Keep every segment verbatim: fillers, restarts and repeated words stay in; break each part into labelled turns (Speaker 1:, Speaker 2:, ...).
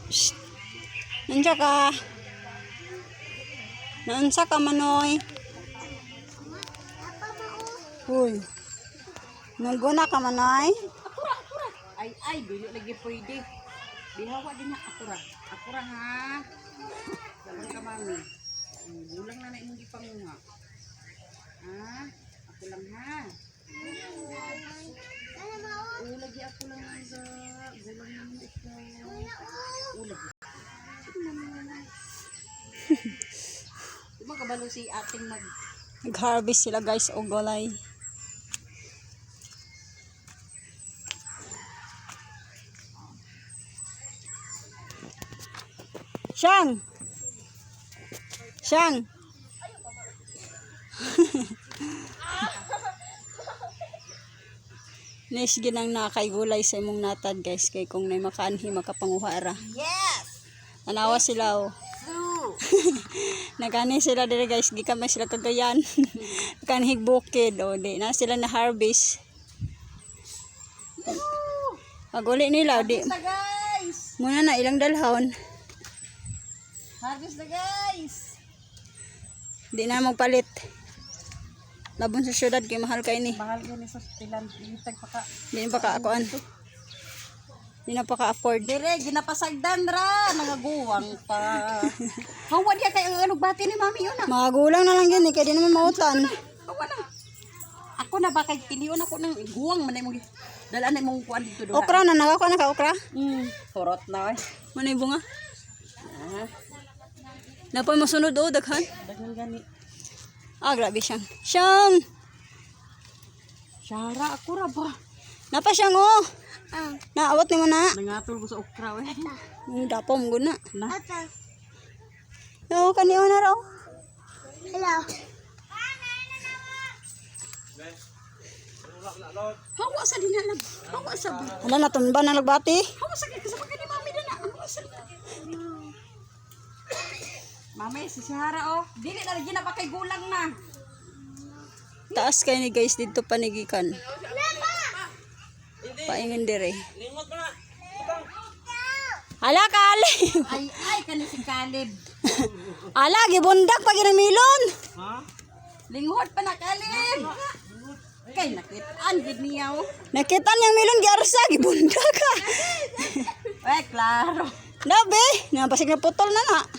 Speaker 1: Shh. Nandiyan ka. Naansa ka, Manoy. Uy. Naguna ka, Manoy.
Speaker 2: Akura, akura. Ay, ay, dili lagi pwede. Bihawa din na akura. Akura ha. Dapat ka, mami. Bulang na na yung ipangunga. Ha? Ako lang ha. Oo, lagi ako lang ha. Bulang na mo ikaw. Oo, lagi. Sige naman. Di ba kabalo si ating mag...
Speaker 1: Nag-harvest sila guys o gulay. Siyang! Siyang! Nis ginang nakay gulay sa imong natad guys kay kung nay makaanhi makapanguhara.
Speaker 2: Yes!
Speaker 1: Tanawa sila oh. Nagani sila dire guys, gikan man sila kagayan. Kanhig bukid o di na sila na harvest. Paguli nila di.
Speaker 2: Harvest na guys!
Speaker 1: Muna na ilang dalhon.
Speaker 2: Harvest na guys!
Speaker 1: Di na magpalit. Labon sa syudad kay mahal kay ni.
Speaker 2: Mahal yun sa tilan. Itag pa ka.
Speaker 1: Di na pa kaakuan. Di na pa ka-afford.
Speaker 2: Dire, ginapasagdan ra. Nangaguwang pa. Hawa diya kay ang ano bati ni mami yun ah.
Speaker 1: Mga gulang na lang yun eh, kaya di naman mautan.
Speaker 2: Hawa na. Ako na ba kay tiniyon ako ng guwang manay mo. Dalaan na mong kuan dito doon.
Speaker 1: Okra na, nakakuha na ka okra?
Speaker 2: Hmm. Turot na eh.
Speaker 1: Manay bunga.
Speaker 2: Ah.
Speaker 1: Napoy masunod o, daghan.
Speaker 2: Dagan gani.
Speaker 1: Ah, grabe siyang. Siyang!
Speaker 2: Syara ako ra ba?
Speaker 1: Napa siyang oh.
Speaker 2: Ah.
Speaker 1: Naawat ni mo na.
Speaker 2: Nangatol ko sa okra eh.
Speaker 1: Ang dapo mo guna.
Speaker 2: Na.
Speaker 1: No, kaniyo na raw.
Speaker 2: Hello. Hawa sa dinalag. Hawa sa ba.
Speaker 1: Hala, natumba na nagbati.
Speaker 2: Hawa sa kaya kasama ka ni mami na na. Hawa sa Mami, si Syara oh. Dili na rin na pa kay gulang na.
Speaker 1: Taas kayo ni guys dito panigikan. Paingin dire. Hala, Kalib.
Speaker 2: Ay, ay, kani si Kalib.
Speaker 1: Ala, gibundak pa ginamilon.
Speaker 2: Ha? Linghod pa na Kalib. Kay nakitaan gid niya oh.
Speaker 1: Nakita niyang milon giarsa, gibundak ka.
Speaker 2: Ay, klaro.
Speaker 1: Dabe, napasig na putol na na.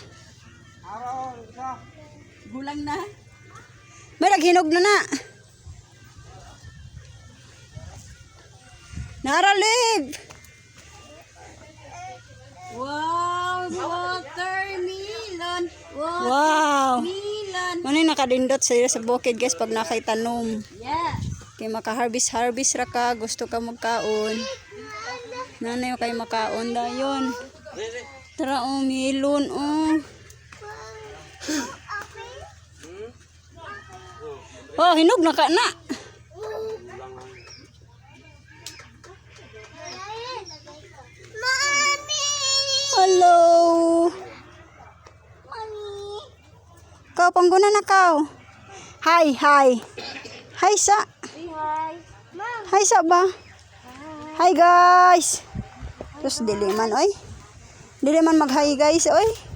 Speaker 2: Gulang na.
Speaker 1: May naghinog na na. Naralib.
Speaker 2: Wow, watermelon.
Speaker 1: Wow.
Speaker 2: Watermelon.
Speaker 1: Manay nakadindot sa sa bukid guys pag nakay tanom.
Speaker 2: Yeah.
Speaker 1: Kay maka-harvest harvest ra ka, gusto ka magkaon. Nanay kay makaon dayon. Tara oh, melon oh. Oh, hinog na ka na. Hello.
Speaker 2: Mami.
Speaker 1: Kau pangguna na kau. Hi, hi. Hi sa.
Speaker 2: Say hi. Mom.
Speaker 1: Hi sa ba? Hi guys. Terus dili man oy. Dili man mag-hi guys oy.